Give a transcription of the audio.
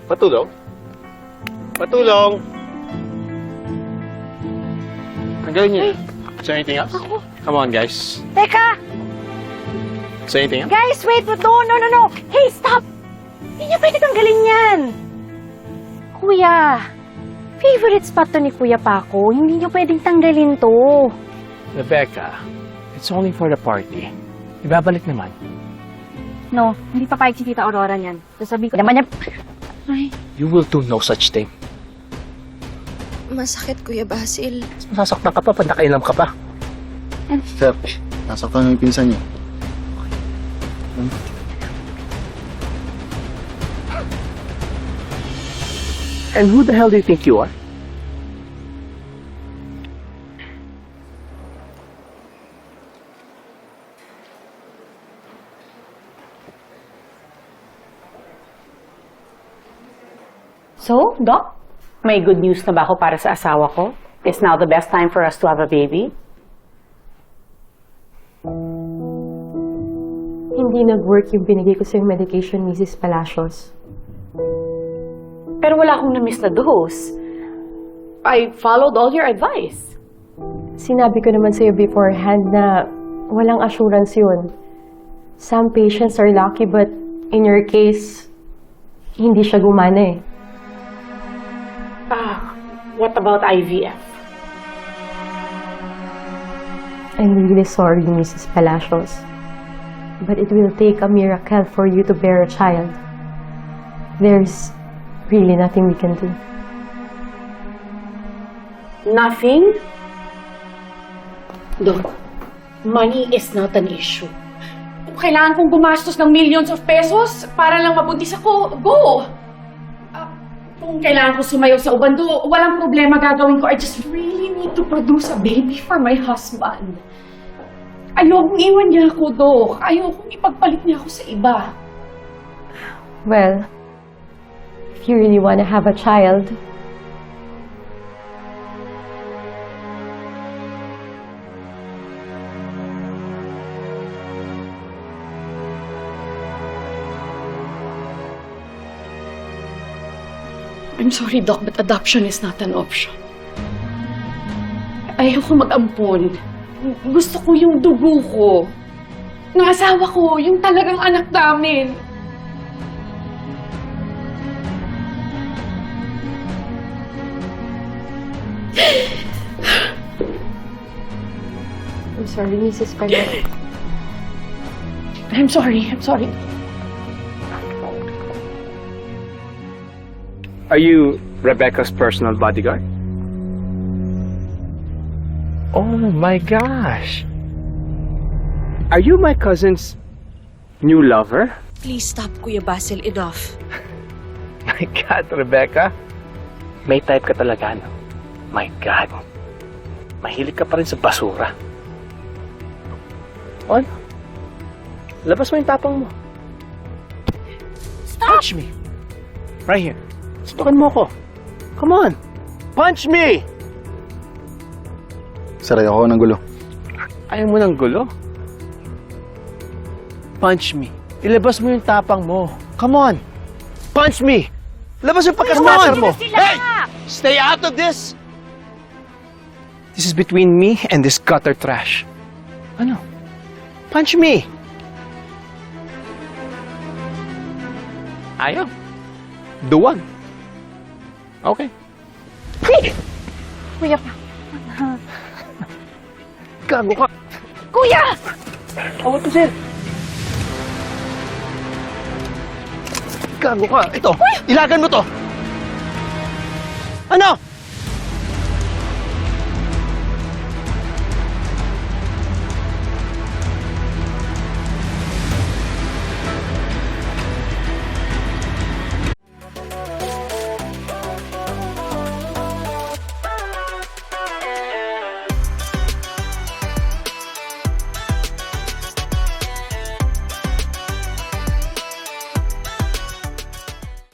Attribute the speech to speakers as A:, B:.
A: Patulong? Patulong! Ang galing niya. Is there anything else?
B: Ako.
A: Come on, guys.
B: Teka!
A: Is there anything else?
B: Guys, wait! No! Hey, stop! Hindi niya pwede tanggalin yan. Kuya, favorite spot to ni Kuya Paco. Hindi niyo pwedeng tanggalin to.
A: Rebecca, it's only for the party. Ibabalik naman.
B: No, hindi papayag si Tita Aurora niyan. Sasabihin ko naman niya... Ay,
A: You will do no such thing.
C: Masakit, Kuya Basil.
A: Masasaktan ka pa pag nakainom ka pa.
D: Sir, nasaktan yung pinsan niyo.
A: And who the hell do you think you are?
E: So, Doc, may good news na ba ako para sa asawa ko? Is now the best time for us to have a baby?
F: Hindi nag-work yung binigay ko sa yung medication, Mrs. Palacios.
E: Pero wala akong na-miss na dose. I followed all your advice.
F: Sinabi ko naman sa'yo beforehand na walang assurance yun. Some patients are lucky but in your case, hindi siya gumana eh.
E: What about IVF?
F: I'm really sorry, Mrs. Palacios. But it will take a miracle for you to bear a child. There's really nothing we can do.
E: Nothing? Doc, money is not an issue. Kung kailangan kong gumastos ng millions of pesos para lang mabuntis ako, go! Kung kailangan ko sumayaw sa ubando, walang problema gagawin ko. I just really need to produce a baby for my husband. Ayokong iwan niya ako, Doc. Ayokong ipagpalit niya ako sa iba.
F: Well, if you really want to have a child,
E: I'm sorry, Doc, but adoption is not an option. Ayoko mag-ampon. Gusto ko yung dugo ko. Ng asawa ko, yung talagang anak namin.
F: I'm sorry, Mrs. Palacios.
E: I'm sorry.
A: Are you Rebecca's personal bodyguard? Oh my gosh! Are you my cousin's new lover?
C: Please stop, Kuya Basil. Enough.
A: My God, Rebecca. May type ka talaga, no? My God. Mahilig ka pa rin sa basura. On. Labas mo yung tapang mo.
B: stop!
A: Punch me. Right here. Suntukan mo ako. Come on. Punch me!
D: Sir, ayoko ng gulo.
A: Ayaw mo ng gulo? Punch me. Ilabas mo yung tapang mo. Come on. Punch me. Labas yung pagkasmatter mo. Hey! Stay out of this! This is between me and this gutter trash. Ano? Punch me. Ayaw. Duwag. Okay.
B: Kuya pa.
A: Gago ka.
B: Kuya!
A: Awat ko, sir. Gago ka. Ito. Ilagan mo to. Ano?